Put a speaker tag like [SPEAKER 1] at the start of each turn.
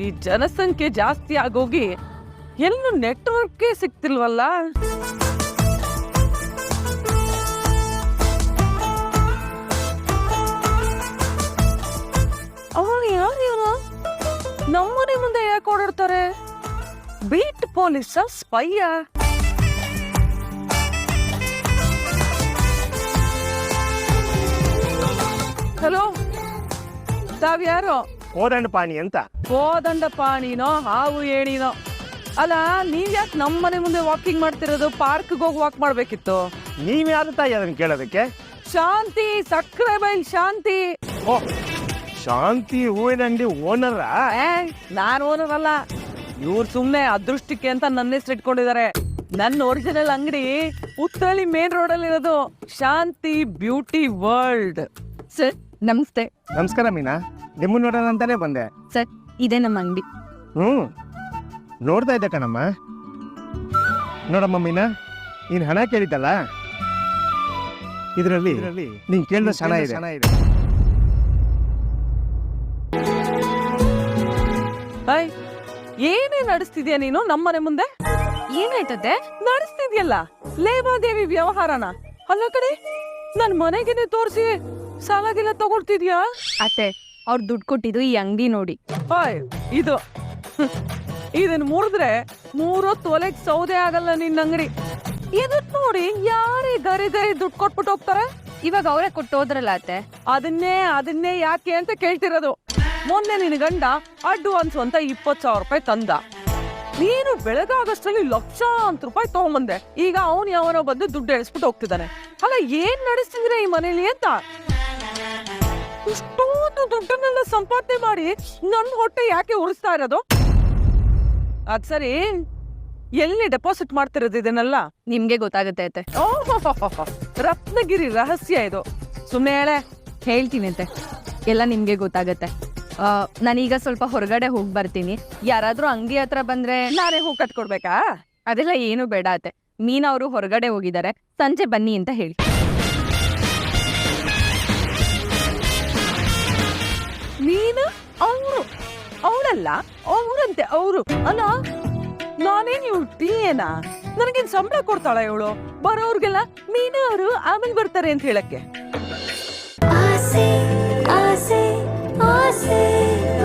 [SPEAKER 1] ಈ ಜನಸಂಖ್ಯೆ ಜಾಸ್ತಿ ಆಗೋಗಿ ಎಲ್ಲೂ ನೆಟ್ವರ್ಕೇ ಸಿಗ್ತಿಲ್ವಲ್ಲ. ಅವನು ಯಾರು ಇವನು? ನಮ್ಮನೆ ಮುಂದೆ ಯಾಕೆ ಓಡಾಡ್ತಾರೆ? ಬೀಟ್ ಪೊಲೀಸ ಸ್ಪೈಯ? ಹಲೋ, ತಾವ್ಯಾರೋ?
[SPEAKER 2] ಕೋದಂಡ ಪಾಣಿ ಅಂತ.
[SPEAKER 1] ಕೋದಂಡ ಪಾಣಿನೋ ಹಾವು ಏಣಿನೋ? ಅಲ್ಲ, ನೀವ್ ಯಾಕೆ ನಮ್ಮನೆ ಮುಂದೆ ವಾಕಿಂಗ್ ಮಾಡ್ತಿರೋದು? ಪಾರ್ಕ್ಗೆ ಹೋಗಿ ವಾಕ್ ಮಾಡ್ಬೇಕಿತ್ತು.
[SPEAKER 2] ನೀವ್ಯಾರು ತಾಯಿ ಅದನ್ನ ಕೇಳೋದಕ್ಕೆ?
[SPEAKER 1] ಶಾಂತಿ, ಸಕ್ಕರೆ ಬೈಲ್ ಶಾಂತಿ.
[SPEAKER 2] ಓ, ಶಾಂತಿ ಹೂವಿನ ಅಂಗಡಿ ಓನರ?
[SPEAKER 1] ನಾನ್ ಓನರ್ ಅಲ್ಲ, ಇವ್ರು ಸುಮ್ನೆ ಅದೃಷ್ಟಕ್ಕೆ ಅಂತ ನನ್ನ ಹೆಸರು ಇಟ್ಕೊಂಡಿದ್ದಾರೆ. ನನ್ನ ಒರಿಜಿನಲ್ ಅಂಗಡಿ ಉತ್ತಳಿ ಮೇನ್ ರೋಡ್ ಅಲ್ಲಿ ಇರೋದು, ಶಾಂತಿ ಬ್ಯೂಟಿ ವರ್ಲ್ಡ್.
[SPEAKER 3] ಸರ್ ನಮಸ್ತೆ.
[SPEAKER 2] ನಮಸ್ಕಾರ ಮೀನಾ, ನಿಮ್ಮನ್ನ ನೋಡೋಣ ಅಂತಾನೆ ಬಂದೆ.
[SPEAKER 3] ಸರ್ ಇದೇ ನಮ್ಮ ಅಂಗಡಿ.
[SPEAKER 2] ನೋಡ್ತಾ ಇದ್ದೆ ಕಣಮ್ಮ. ನೋಡಮ್ಮ ಮೀನಾ, ನೀನ್ ಹಣ ಕೇಳಿದ್ದಲ್ಲ, ಇದರಲ್ಲಿ ನೀನ್ ಕೇಳಿದ ಹಣ ಇದೆ.
[SPEAKER 1] ಏನೇ ನಡೆಸ್ತಿದ್ಯಾ ನೀನು ನಮ್ಮನೆ ಮುಂದೆ?
[SPEAKER 3] ಏನಾಯ್ತದೆ?
[SPEAKER 1] ನಡೆಸ್ತಿದ್ಯಲ್ಲ ಲೇವಾದೇವಿ ವ್ಯವಹಾರನ. ಅಲ್ಲ ಕಡೆ, ನನ್ ಮನೆಗೇನೆ ತೋರಿಸಿ ಸಾಲಾಗಿಲ್ಲ ತಗೊಳ್ತಿದ್ಯಾ?
[SPEAKER 3] ಅತ್ತೆ, ಅವ್ರು ದುಡ್ಡು ಕೊಟ್ಟಿದ್ದು ಈ ಅಂಗಡಿ ನೋಡಿ.
[SPEAKER 1] ಇದು ಇದನ್ ಮುರಿದ್ರೆ 3 ಹೊತ್ತು ಒಲೆಗ್ ಸೌದೆ ಆಗಲ್ಲ ನಿನ್ನ ಅಂಗಡಿ. ಇದಕ್ ನೋಡಿ ಯಾರೇ ಗರಿ ದುಡ್ಡು ಕೊಟ್ಬಿಟ್ಟು ಹೋಗ್ತಾರೆ.
[SPEAKER 3] ಇವಾಗ ಅವರೇ ಕೊಟ್ಟು ಹೋದ್ರಲ್ಲ ಅತ್ತೆ.
[SPEAKER 1] ಅದನ್ನೇ ಯಾಕೆ ಅಂತ ಕೇಳ್ತಿರೋದು. ಮೊನ್ನೆ ನಿನ್ ಗಂಡ ಅಡ್ವಾನ್ಸ್ ಅಂತ 20,000 ರೂಪಾಯಿ ತಂದ. ನೀನು ಬೆಳಗಾಗಷ್ಟರಲ್ಲಿ ಲಕ್ಷಾಂತರ ರೂಪಾಯಿ ತಗೊಂಬಂದೆ. ಈಗ ಅವನು ಯಾವನೋ ಬಂದು ದುಡ್ಡು ಎಳಿಸ್ಬಿಟ್ಟು ಹೋಗ್ತಿದ್ದಾನೆ. ಅಲ್ಲ, ಏನ್ ನಡೆಸ್ತಿದ್ರೆ ಈ ಮನೇಲಿ ಅಂತ? ಇಷ್ಟೊಂದು ದುಡ್ಡನ್ನೆಲ್ಲ ಸಂಪಾದನೆ ಮಾಡಿ ನನ್ ಹೊಟ್ಟೆ ಯಾಕೆ ಉಳಿಸ್ತಾ ಇರೋದು? ಅದ್ ಸರಿ, ಎಲ್ಲಿ ಡೆಪಾಸಿಟ್ ಮಾಡ್ತಿರೋದು ಇದನ್ನೆಲ್ಲ?
[SPEAKER 3] ನಿಮ್ಗೆ ಗೊತ್ತಾಗತ್ತೆ ಅತ್ತೆ.
[SPEAKER 1] ರತ್ನಗಿರಿ ರಹಸ್ಯ ಇದು. ಸುಮ್ಮನೆ ಹೇಳೆ.
[SPEAKER 3] ಹೇಳ್ತೀನಿ ಅತ್ತೆ, ಎಲ್ಲ ನಿಮ್ಗೆ ಗೊತ್ತಾಗತ್ತೆ. ನಾನೀಗ ಸ್ವಲ್ಪ ಹೊರಗಡೆ ಹೋಗಿ ಬರ್ತೀನಿ. ಯಾರಾದ್ರೂ ಅಂಗಡಿ ಹತ್ರ ಬಂದ್ರೆ
[SPEAKER 1] ನಾನೇ ಹೂ ಕಟ್ಕೊಡ್ಬೇಕಾ?
[SPEAKER 3] ಅದೆಲ್ಲ ಏನು ಬೇಡ ಅತ್ತೆ. ಮೀನಾ ಅವರು ಹೊರಗಡೆ ಹೋಗಿದ್ದಾರೆ, ಸಂಜೆ ಬನ್ನಿ ಅಂತ ಹೇಳಿ.
[SPEAKER 1] ನೀನು ಅವಳಲ್ಲ, ಅವ್ರಂತೆ ಅವರು. ಅಲ್ಲ, ನಾನೇನ್ ಇವಳು ಟೀಯೇನಾ? ನನಗೇನ್ ಸಂಬಳ ಕೊಡ್ತಾಳ ಇವಳು? ಬರೋರ್ಗೆಲ್ಲ ಮೀನಾ ಅವರು ಆಮೇಲೆ ಬರ್ತಾರೆ ಅಂತ ಹೇಳಕ್ಕೆ.